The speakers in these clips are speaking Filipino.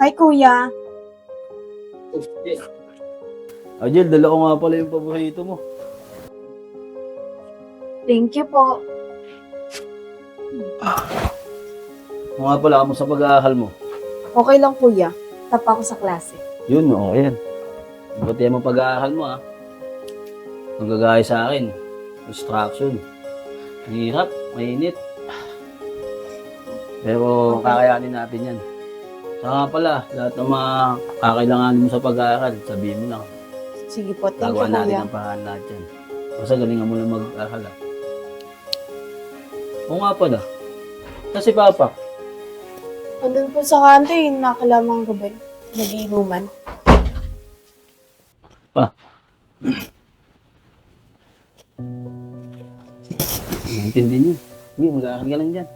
Hi, kuya. Ajel, dala ko nga pala yung paborito mo. Thank you po. Ano nga pala, kamusta pag-aaral mo? Okay lang, kuya. Tapa ako sa klase. Yun, okay yan. Buti mo pag-aaral mo, ha? Magagaya sa akin. Instruction. Hirap, mainit. Pero kakayanin natin yan. Saka nga pala, lahat ng mga kakailanganin mo sa pag-aaral, sabihin mo lang. Sige po, thank you, Gagawa natin kuya. ang paraan lahat yan. Basta galingan mo lang mag-aaral, ha? Oo nga pala. Kasi Papa, Andun po sa kanto nakalamang gabi. Nag-iinuman. naintindi niyo. Sige, mag-aaral ka lang dyan.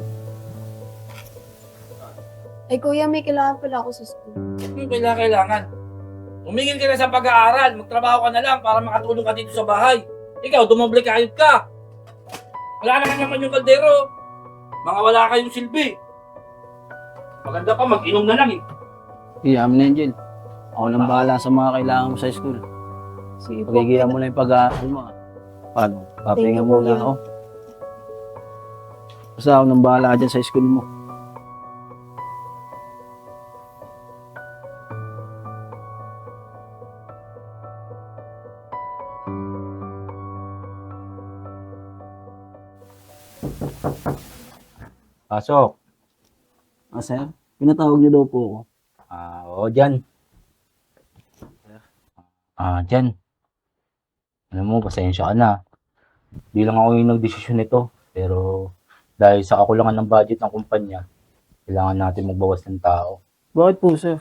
Ay, kuya, may kailangan pala ako sa school. Kailangan. Umingin ka na sa pag-aaral, magtrabaho ka na lang para makatulong ka dito sa bahay. Ikaw, dumoble kayod ka. Wala naman yung kaldero. Mga wala kayong silbi. Maganda pa, mag-inom na lang eh. Sige, amin na yan, Jill. Ako nang bahala sa mga kailangan mo sa school. Sige po. Pagigilan mo lang yung pag-aaral mo, ha? Paano? Papahinga Thank you, muna kuya. ako. Basta ako nang bahala dyan sa school mo. Pasok. Sir, pinatawag niyo daw po ako. Oo, dyan. Dyan. Alam mo, pasensya ka na. Di lang ako yung nagdesisyon nito. Pero dahil sa kakulangan ng budget ng kumpanya, kailangan natin magbawas ng tao. Bakit po, sir?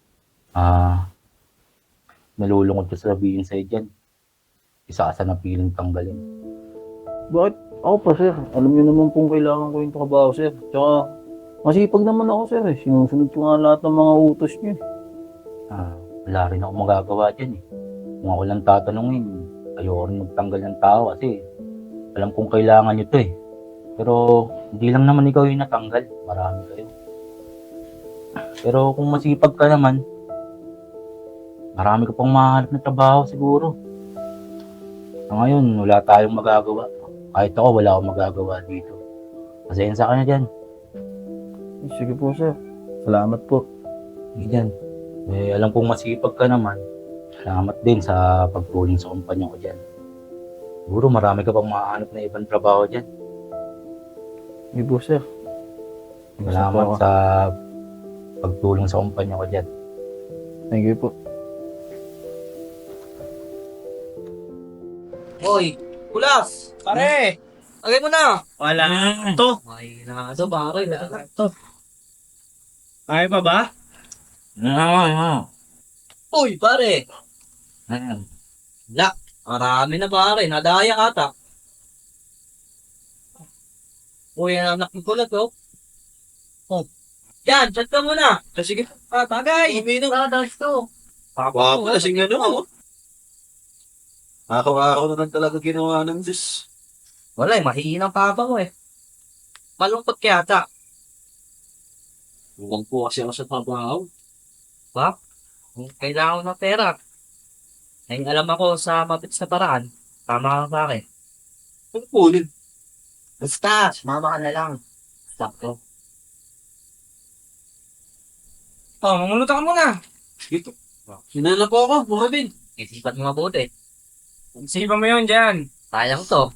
Nalulungkot ko sabihin sa'yo dyan. Isa ka sa napiling tanggalin. Bakit? Ako pa, sir. Alam niyo naman kung kailangan ko yung trabaho, sir. Tsaka, masipag naman ako, sir. Sinusunod ko nga lahat ng mga utos niyo. Wala rin ako magagawa dyan eh. Kung ako lang tatanungin, ayoko rin magtanggal ng tao kasi alam kong kailangan nyo to eh. Pero hindi lang naman ikaw yung natanggal. Marami kayo. Pero kung masipag ka naman, marami ka pang mahanap na trabaho siguro. Ngayon, wala tayong magagawa. Kahit ako, wala akong magagawa dito. Pasensya ka na dyan. Sige po, sir. Salamat po. Dyan. Alam kong masipag ka naman. Salamat din sa pagtulong sa kumpanya ko dyan. Siguro marami ka pang mahanap na ibang trabaho dyan. Sige po, sir. Salamat sa pagtulong sa kumpanya ko dyan. Thank you po. Hoy, Kulas! Pare! Agay mo na! Wala to. Ay, na ito, pare. Ito. Kaya pa ba? Uy, pare! La, marami na pare. Nadaya ata. Uy, ang anak ni Kulas, oh. Oh. Yan, chat ka muna. Sige. Tagay! Uminom. Tadas to. Wapo na sing ano. Ako na lang talaga ginawa ng Diyos. Wala, mahihinang papa ko eh. Malungkot kaya ata. Huwag po kasi ako sa trabaho. Kailangan ko ng pera. Ay, alam ako sa mabilis na paraan. Tama ka sa akin. Ano po ulit? Basta, sumama ka na lang. Stop ko. Mamulutan ka muna. Ito. Sinana po ako, Robin. Isipan mo mabuti. Isipan mo yun dyan. Sayang to.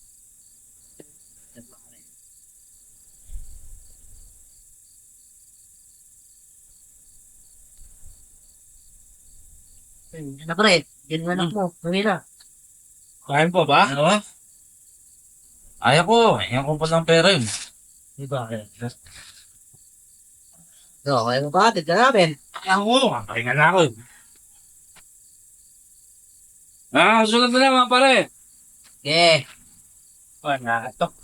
Na pre, yun na lang mo. Mamila. Kain po ba? Ano ba? Ayaw ko. Ayaw ko pa ng pera yun. Di ba? No, kaya mo ba? Tignan namin. Ayaw ko. Pahinga na ako. Susunod na lang mga pare. Okay. Wala ito.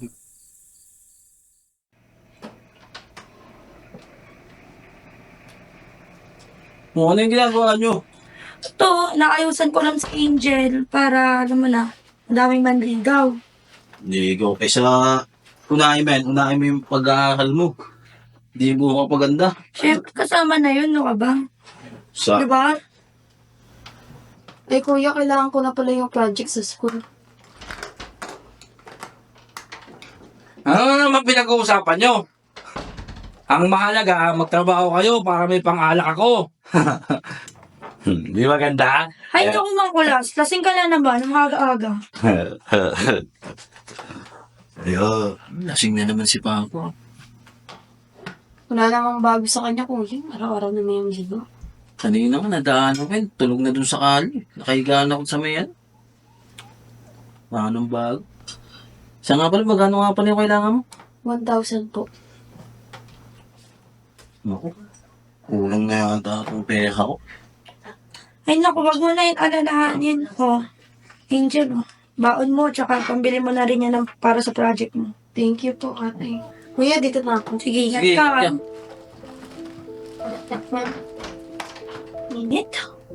Ano yung ginagawa nyo? Ito, naayusan ko lang si Angel para, alam mo na, ang daming manligaw. Hindi, go. Kaysa unahin mo yung pag-aaral mo. Di mo kapaganda. Siyempre, kasama na yun, no ka ba? Sa... Diba? Eh kuya, kailangan ko na pala yung project sa school. Ano naman pinag-uusapan nyo? Ang mahalaga, magtrabaho kayo para may pang-alak ako. Di ba ganda? Ay, naku mga kulas. Lasing ka na naman, ang aga-aga. Ayo, lasing na naman si Papa. Wala namang bago sa kanya kuya. Araw-araw na may yung ligo. Kanina ka nadaan ako, tulog na dun sa kali. Nakahigaan ako sa mayan. Anong bago? Siya nga pala, magkano nga pala yung kailangan mo? 1,000 po. Naku, kulang na yata itong pera ko. Ay, naku, wag mo na yung alalahanin. Oh, Angel, oh. Baon mo, tsaka pambili mo na rin yan para sa project mo. Thank you po, ate. Kuya, dito na ako. Sige, ingat Sige, ka. yan. Init.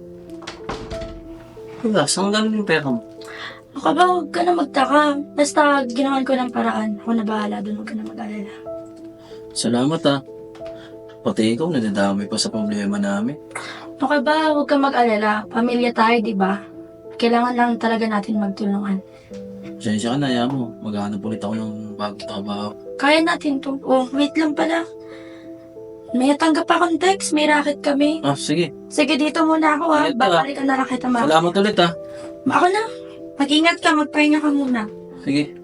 Wala, saan galing yung pera mo? Ako ba, huwag ka na magtaka. Basta ginawan ko ng paraan. Ako na bahala doon, huwag ka na mag-alala. Salamat ah. Pati ikaw, nadadamay pa sa problema namin. Okay ba, huwag ka mag-alala. Pamilya tayo, di ba? Kailangan lang talaga natin magtulungan. Pasensya ka na, ayaw mo. Maghanap ulit ako ng bagong trabaho. Kaya natin to. Oh, wait lang pala. May tanggap akong text, may racket kami. Ah, sige. Sige, dito muna ako ha. Ingat ka. Babalikan na lang kita, ma. Salamat ulit ah. Ako na. Mag-ingat ka, magpahinga ka muna. Sige.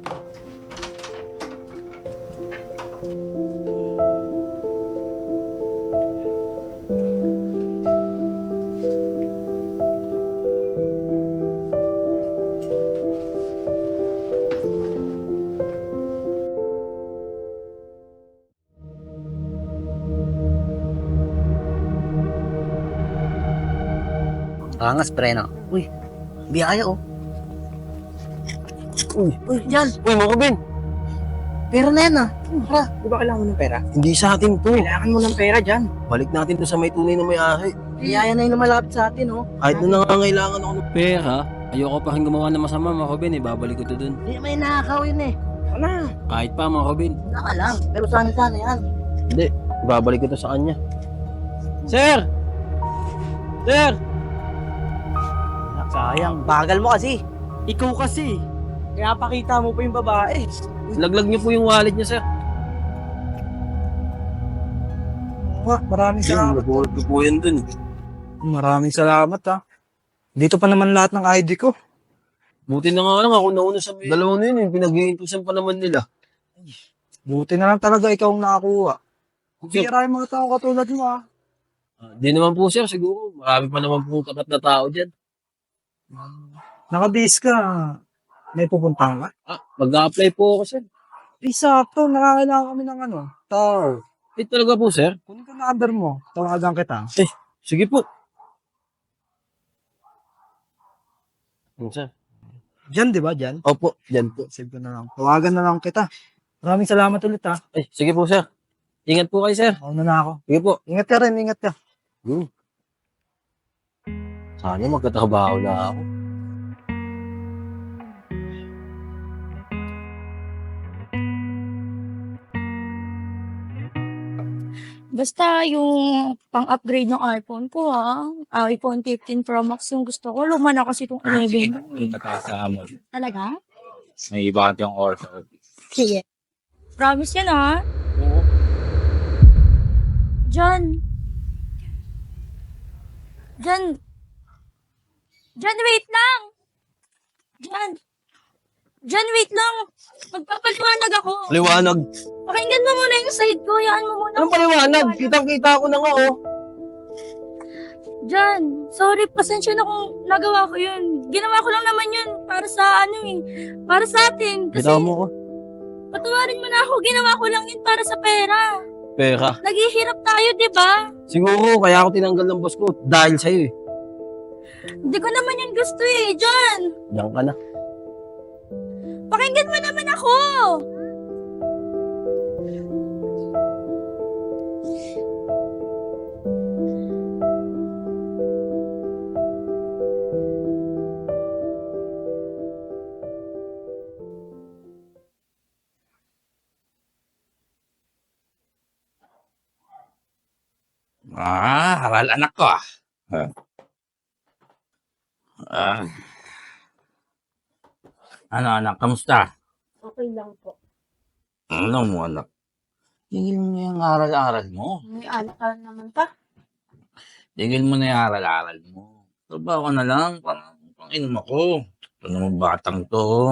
Angas, pre, no? Uy, biyaya, oh. Uy, yan. Uy, mga Ben, Pera na yan, ah. tara, di ba kailangan mo ng pera? Hindi sa atin to. Kailangan mo ng pera dyan. Balik natin to sa may tunay na may-ari. Biyaya na yung malapit sa atin, oh. Kahit na nangangailangan ako ng Pera, ayoko pa rin gumawa ng masama, mga Robin. Ibabalik ko to dun. Hindi may nakakaw yun eh. Wala, Kahit pa, mga Robin. wala ka lang. Pero sana yan. Hindi, ibabalik ko to sa kanya. Sir! Sir! Sayang, bagal mo kasi. Ikaw kasi. Kaya pakita mo pa yung babae. Laglag niyo po yung wallet niya, sir. Maraming salamat. Nabuhat ko po yan dun. Maraming salamat ha. Dito pa naman lahat ng ID ko. Buti na nga lang ako nauna sa dalawa na yun. Pinag-iintusan pa naman nila. Buti na lang talaga ikaw ang nakakuha. Bira yung mga tao katulad mo ha. Di naman po, sir. Siguro. Marami pa naman po kapat na tao dyan. Nakabis ka. May pupuntahan ka? Mag-a-apply po ako, sir. Sakto, nakakailangan kami ng tao. Talaga po, sir. Kunin ko na number mo. Tawagan kita. Sige po. Sir? Diyan, di ba? Diyan? Opo, dyan po. Save ko na lang. Tawagan na lang kita. Maraming salamat ulit ha. Sige po, sir. Ingat po kayo, sir. Mauna na ako. Sige po. Ingat ka rin, ingat ka. Sana magkatrabaho na ako. Basta yung pang-upgrade ng iPhone ko ha. iPhone 15 Pro Max yung gusto ko. Luma na kasi itong 11. Nagkasama mo. Talaga? May iba yung order. Sige. Promise yan ha? Oo. John. John, wait lang. John, wait lang. Magpapaliwanag ako. Liwanag. Pakinggan mo muna yung side ko. Yaan mo muna. Anong paliwanag? Kitang-kita ko na nga, oh. John, sorry. Pasensya na kung nagawa ko yun. Ginawa ko lang naman yun para sa para sa atin. Kasi Kita mo ko. patawarin mo na ako. Ginawa ko lang yun para sa pera. Pera. Naghihirap tayo, di ba? Siguro, kaya ako tinanggal ng boss ko. Dahil sa'yo, eh. Hindi ko naman yun gusto eh, John. Diyan ka na. Pakinggan mo naman ako. Haral anak ko ah. Ah. Ano anak, kamusta? Okay lang po. Ano mo anak? Tigil mo na yung aral-aral mo. May anak ka naman pa. Tigil mo na yung aral-aral mo. Trabaho ka na lang, pang inom ako. Ito naman batang to.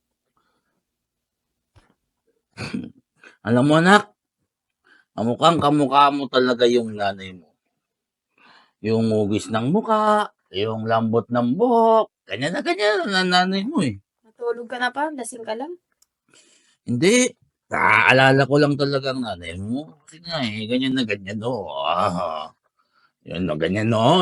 Alam mo anak, kamukha mo talaga yung nanay mo. Yung hugis ng muka, yung lambot ng buhok. Ganyan na nanay mo eh. Natulog ka na pa? Lasing ka lang? Hindi. Naaalala ko lang talaga ang nanay mo. Kasi nga eh, ganyan na ganyan o. Yan na ganyan o.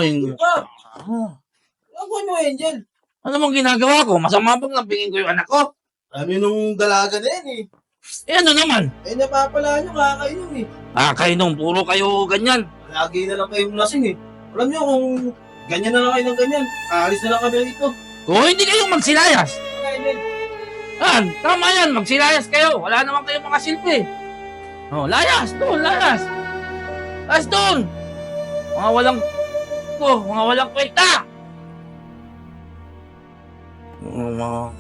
Ako mo, Angel. Ano mong ginagawa ko? Masama bang lampingin ko yung anak ko? Kami nung dalaga na yan eh. Eh ano naman? Eh napapala nyo, kakainom eh. Kainom, puro kayo ganyan. Lagi na lang kayong lasing eh. Alam nyo kung ganyan na lang kayo ng ganyan, aalis na lang kami dito. Kung hindi kayo magsilayas. Angel. Tama yan, magsilayas kayo. Wala naman kayong mga silbi. Oh, layas, doon, layas. Layas doon. Mga walang kwenta. Mga...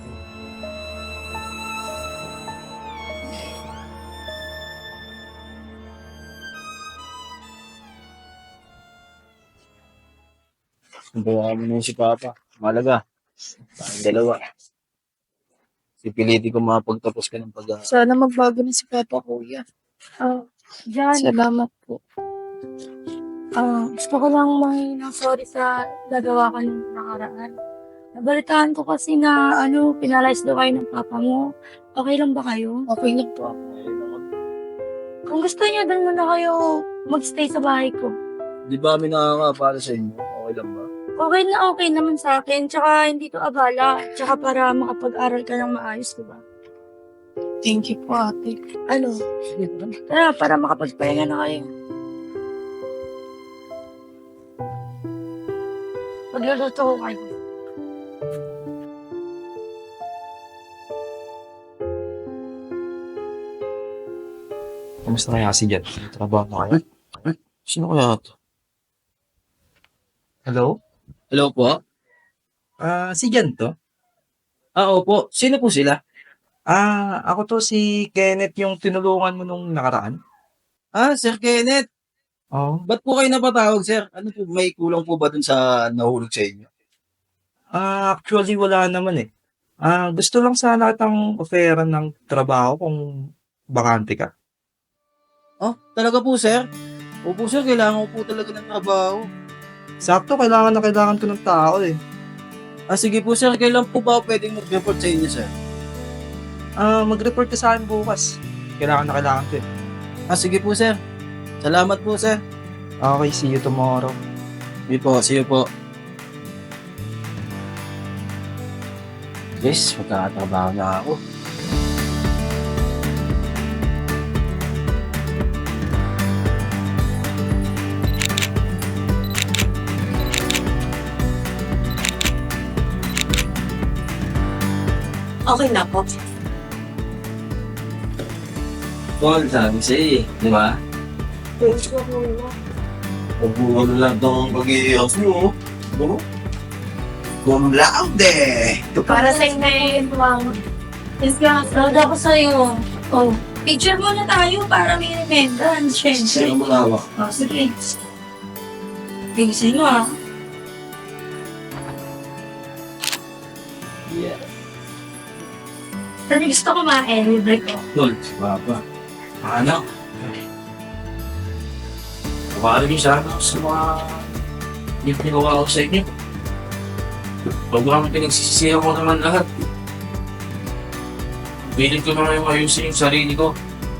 Kumbawa mo na yun si Papa. Malaga. Tayong dalawa. Sipiliti ko mapagtapos ka ng pag-aaral. Sana magbago na si Papa, Kuya. Jan, Salamat po. gusto ko lang ng sorry sa nagawa ko nung nakaraan. Nabalitaan ko kasi na, pinalayas daw kayo ng papa mo. Okay lang ba kayo? Okay lang po ako. Kung gusto niyo, doon muna kayo magstay sa bahay ko. Di ba kami nakakapala sa inyo? Okay lang ba? Okay naman sa akin. Tsaka hindi to abala. Tsaka para makapag-aral ka ng maayos, diba? Thank you po, ate. Tara, para makapagpahinga na kayo. Magluluto ko kayo. Kamusta kaya si Jet? Trabaho na kayo? Sino kaya ito? Hello? Hello po? Si Jan to? Opo. Sino po sila? Ako to si Kenneth yung tinulungan mo nung nakaraan. Sir Kenneth. Oo. Ba't po kayo napatawag, sir? Ano po, may kulang po ba dun sa nahulog sa inyo? Actually, wala naman eh. Gusto lang sana kitang offeran ng trabaho kung bakante ka. Talaga po, sir? Opo, sir. Kailangan ko po talaga ng trabaho. Sakto, kailangan na kailangan ko ng tao eh. Sige po, sir. Kailan po ba ako pwedeng mag-report sa inyo, sir? Mag-report ka sa akin bukas. Kailangan ko eh. Sige po, sir. Salamat po, sir. Okay, see you tomorrow. Sige po, see you po. Guys, magkakatrabaho na ako. Okay na po. Paul, sabi sa'yo eh. Di ba? Thank you, Kuya. Pagbuhan lang itong pag-iiyos mo. Ano? Cum laude! Para sa inyo, Ma'am. Yes, ka. Proud ako sa'yo. Picture muna tayo para may remembrance. Sino Siyempre. mo hawak? Sige. Tingin mo ah. Yeah. Pero gusto kumain, libre ko. Tol, si Papa. Anak. Kawarin niyo sana ako sa mga hindi pinagawa ko sa inyo. Bago kami pinagsisisihan ko naman lahat. Pilit ko na ngayon ayusin yung sarili ko.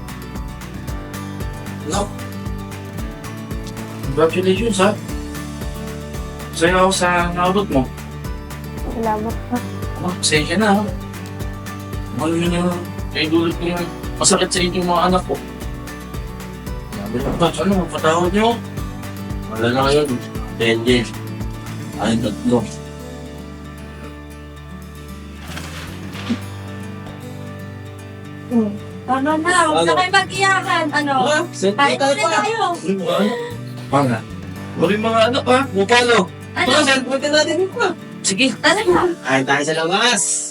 No. Congratulations ha. Masaya ako sa naabot mo. Salamat po. Pasensya na ha. Ano yun yung dulot ko yung masakit sa inyo mga anak ko. Sabi lang ba, ano, patawad niyo? Wala na kayo. 10 days. Ay, tatlo. Ano na, huwag na kayo mag-iyakan. Ano? Kain muna tayo. Mga. Huwag yung mga anak ha. Mupalo. Ano? Mga, send natin pa. Sige. Tara na. Kain tayo sa labas.